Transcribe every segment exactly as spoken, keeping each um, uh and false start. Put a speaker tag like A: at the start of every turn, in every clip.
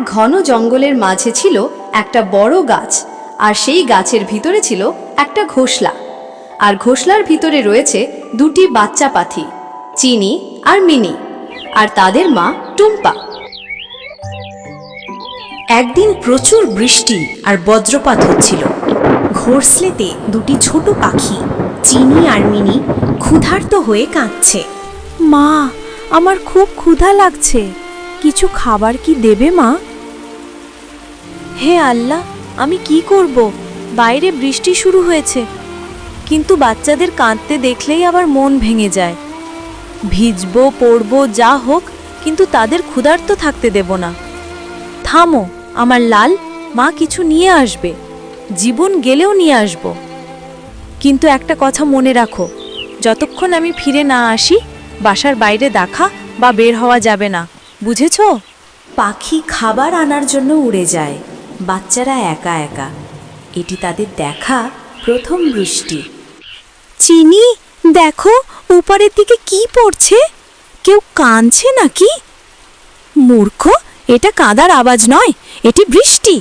A: ঘন জঙ্গলের মাঝে ছিল একটা বড় গাছ, আর সেই গাছের ভিতরে ছিল একটা ঘোষলা, আর ঘোষলার ভিতরে রয়েছে দুটি বাচ্চা পাখি, চিনি আর মিনি, আর তাদের মা টুম্পা।
B: একদিন প্রচুর বৃষ্টি আর বজ্রপাত হচ্ছিল। ঘোষলেতে দুটি ছোট পাখি চিনি আর মিনি ক্ষুধার্ত হয়ে কাঁদছে।
C: মা, আমার খুব ক্ষুধা লাগছে, কিছু খাবার কি দেবে মা? হে আল্লাহ, আমি কি করব? বাইরে বৃষ্টি শুরু হয়েছে, কিন্তু বাচ্চাদের কাঁদতে দেখলেই আবার মন ভেঙে যায়। ভিজবো পড়বো যা হোক, কিন্তু তাদের ক্ষুধার্ত থাকতে দেব না। থামো আমার লাল, মা কিছু নিয়ে আসবে, জীবন গেলেও নিয়ে আসব। কিন্তু একটা কথা মনে রাখো, যতক্ষণ আমি ফিরে না আসি বাসার বাইরে দেখা বা বের হওয়া যাবে না, বুঝেছো?
B: পাখি খাবার আনার জন্য উড়ে যায়, বাচ্চারা একা একা। এটি তাদের দেখা প্রথম বৃষ্টি।
C: চিনি, দেখো উপরের দিকে কি পড়ছে, কেউ কাঁদছে নাকি? মূর্খ, এটা কাঁদার আওয়াজ নয়, এটি বৃষ্টি।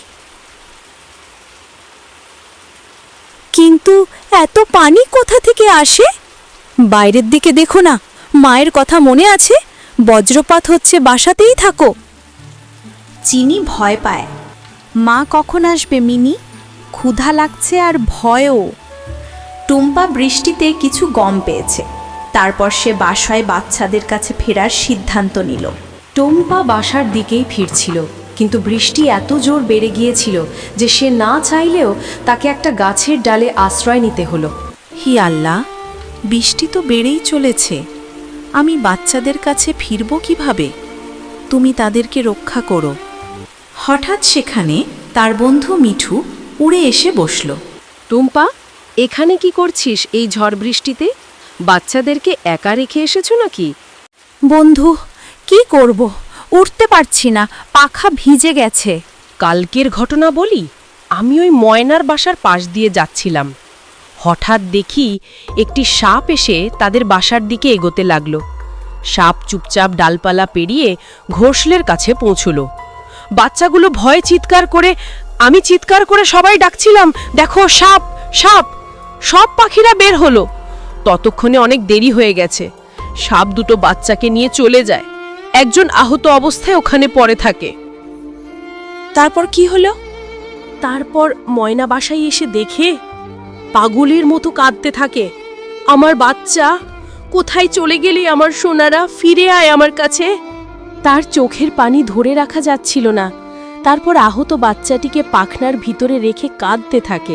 C: কিন্তু এত পানি কোথা থেকে আসে? বাইরের দিকে দেখো না, মায়ের কথা মনে আছে? বজ্রপাত হচ্ছে, বাসাতেই থাকো।
B: চিনি ভয় পায়।
C: মা কখন আসবে মিনি? ক্ষুধা লাগছে আর ভয়ও।
B: টুম্পা বৃষ্টিতে কিছু গম পেয়েছে, তারপর সে বাসায় বাচ্চাদের কাছে ফেরার সিদ্ধান্ত নিল।
A: টুম্পা বাসার দিকেই ফিরছিল, কিন্তু বৃষ্টি এত জোর বেড়ে গিয়েছিল যে সে না চাইলেও তাকে একটা গাছের ডালে আশ্রয় নিতে হলো।
C: হি আল্লাহ, বৃষ্টি তো বেড়েই চলেছে, আমি বাচ্চাদের কাছে ফিরব কিভাবে? তুমি তাদেরকে রক্ষা করো।
B: হঠাৎ সেখানে তার বন্ধু মিঠু উড়ে এসে বসল।
D: টুম্পা, এখানে কি করছিস এই ঝড় বৃষ্টিতে? বাচ্চাদেরকে একা রেখে এসেছো নাকি?
C: বন্ধু, কি করব, উঠতে পারছি না, পাখা ভিজে গেছে।
D: কালকের ঘটনা বলি। আমি ওই ময়নার বাসার পাশ দিয়ে যাচ্ছিলাম, হঠাৎ দেখি একটি সাপ এসে তাদের বাসার দিকে এগোতে লাগলো। সাপ চুপচাপ ডালপালা পেরিয়ে ঘোষলের কাছে পৌঁছলো। বাচ্চাগুলো ভয়ে চিৎকার করে, আমি চিৎকার করে সবাই ডাকছিলাম, দেখো সাপ সাপ। সব পাখিরা বের হলো। ততক্ষণে অনেক দেরি হয়ে গেছে। সাপ দুটো বাচ্চাকে নিয়ে চলে যায়। একজন আহত অবস্থায় ওখানে পড়ে থাকে।
C: তারপর কি হলো?
D: তারপর ময়না বাসায় এসে দেখে পাগলের মতো কাঁদতে থাকে, আমার বাচ্চা কোথায় চলে গেলি, আমার সোনারা ফিরে আয় আমার কাছে। তার চোখের পানি ধরে রাখা যাচ্ছিল না। তারপর আহত বাচ্চাটিকে পাখনার ভিতরে রেখে কাঁদতে থাকে।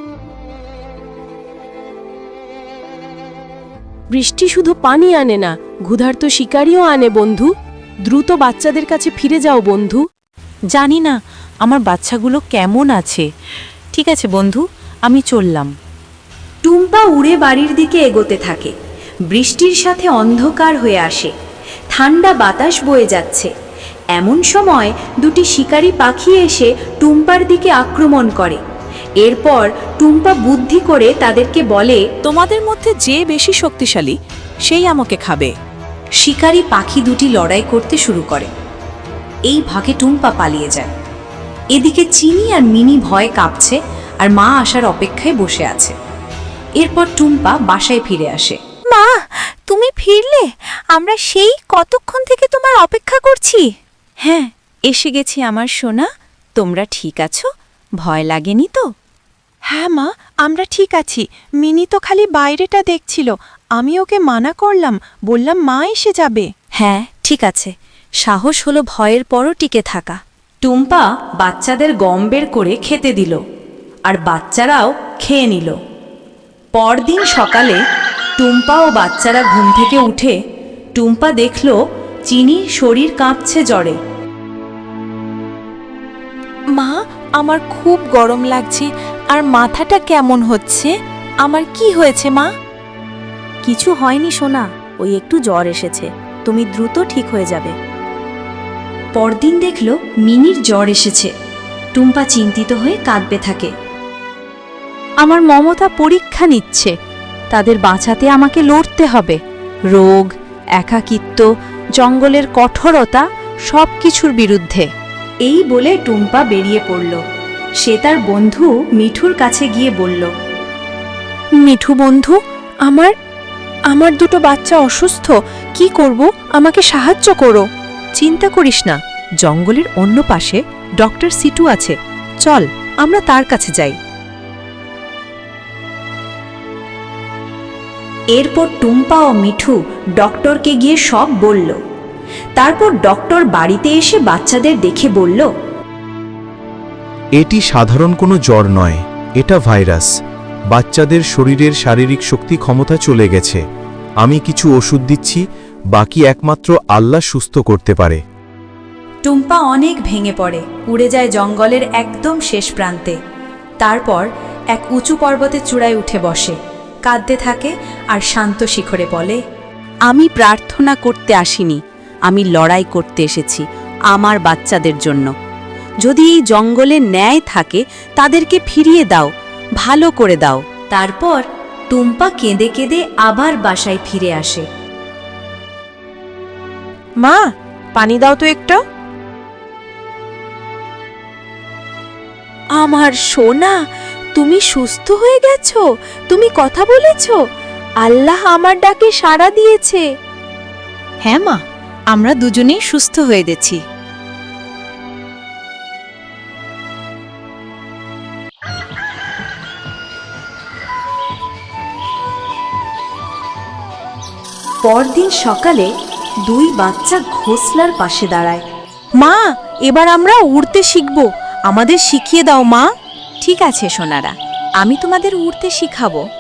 D: বৃষ্টি শুধু পানি আনে না, ক্ষুধার্ত শিকারিও আনে বন্ধু। দ্রুত বাচ্চাদের কাছে ফিরে যাও বন্ধু।
C: জানি না আমার বাচ্চাগুলো কেমন আছে। ঠিক আছে বন্ধু, আমি চললাম।
B: টুম্পা উড়ে বাড়ির দিকে এগোতে থাকে। বৃষ্টির সাথে অন্ধকার হয়ে আসে, ঠান্ডা বাতাস বয়ে যাচ্ছে। এমন সময় দুটি শিকারী পাখি এসে টুম্পার দিকে আক্রমণ করে। এরপর টুম্পা বুদ্ধি করে তাদেরকে বলে,
C: তোমাদের মধ্যে যে বেশি শক্তিশালী সেই আমাকে খাবে।
B: শিকারী পাখি দুটি লড়াই করতে শুরু করে। এই ভাগে টুম্পা পালিয়ে যায়। এদিকে চিনি আর মিনি ভয়ে কাঁপছে আর মা আসার অপেক্ষায় বসে আছে। এরপর টুম্পা বাসায় ফিরে আসে।
C: মা, তুমি ফিরলে? আমরা সেই কতক্ষণ থেকে তোমার অপেক্ষা করছি। হ্যাঁ, এসে গেছি আমার সোনা। তোমরা ঠিক আছো? ভয় লাগেনি তো? হ্যাঁ মা, আমরা ঠিক আছি। মিনি তো খালি বাইরেটা দেখছিল, আমি ওকে মানা করলাম, বললাম মা এসে যাবে। হ্যাঁ ঠিক আছে, সাহস হলো ভয়ের পরও টিকে থাকা।
B: টুম্পা বাচ্চাদের গম বের করে খেতে দিল, আর বাচ্চারাও খেয়ে নিল। পরদিন সকালে টুম্পা ও বাচ্চারা ঘুম থেকে উঠে টুম্পা দেখল চিনির শরীর কাঁপছে জ্বরে।
C: মা, আমার খুব গরম লাগছে আর মাথাটা কেমন হচ্ছে। আমার কি হয়েছে মা? কিছু হয়নি সোনা, ওই একটু জ্বর এসেছে, তুমি দ্রুত ঠিক হয়ে যাবে।
B: পরদিন দেখল মিনির জ্বর এসেছে। টুম্পা চিন্তিত হয়ে কাঁদতে থাকে।
C: আমার মমতা পরীক্ষা নিচ্ছে, তাদের বাঁচাতে আমাকে লড়তে হবে। রোগ, একাকিত্ব, জঙ্গলের কঠোরতা, সব কিছুর বিরুদ্ধে।
B: এই বলে টুম্পা বেরিয়ে পড়ল। সে তার বন্ধু মিঠুর কাছে গিয়ে বলল,
C: মিঠু বন্ধু, আমার আমার দুটো বাচ্চা অসুস্থ, কি করব? আমাকে সাহায্য করো।
D: চিন্তা করিস না, জঙ্গলের অন্য পাশে ডক্টর সিটু আছে, চল আমরা তার কাছে যাই।
B: এরপর টুম্পা ও মিঠু ডক্টরকে গিয়ে সব বলল। তারপর ডক্টর বাড়িতে এসে বাচ্চাদের দেখে বলল,
E: এটি সাধারণ কোনো জ্বর নয়, এটা ভাইরাস। বাচ্চাদের শরীরের শারীরিক শক্তি ক্ষমতা চলে গেছে। আমি কিছু ওষুধ দিচ্ছি, বাকি একমাত্র আল্লাহ সুস্থ করতে পারে।
B: টুম্পা অনেক ভেঙে পড়ে, উড়ে যায় জঙ্গলের একদম শেষ প্রান্তে। তারপর এক উঁচু পর্বতের চূড়ায় উঠে বসে, কাঁদতে থাকে আর শান্ত শিখরে বলে,
C: আমি প্রার্থনা করতে আসিনি, আমি লড়াই করতে এসেছি আমার বাচ্চাদের জন্য। যদি এই জঙ্গলে ন্যায় থাকে তাদেরকে ফিরিয়ে দাও, ভালো করে দাও।
B: তারপর টুম্পা কেঁদে কেঁদে আবার বাসায় ফিরে আসে।
D: মা, পানি দাও তো একটা।
C: আমার সোনা, তুমি সুস্থ হয়ে গেছো, তুমি কথা বলেছো, আল্লাহ আমার ডাকে সাড়া দিয়েছে।
F: হ্যাঁ মা, আমরা দুজনেই সুস্থ হয়ে গেছি।
B: পরদিন সকালে দুই বাচ্চা ঘোষলার পাশে দাঁড়ায়।
C: মা, এবার আমরা উড়তে শিখব, আমাদের শিখিয়ে দাও মা।
F: ঠিক আছে সোনারা, আমি তোমাদের উড়তে শিখাবো।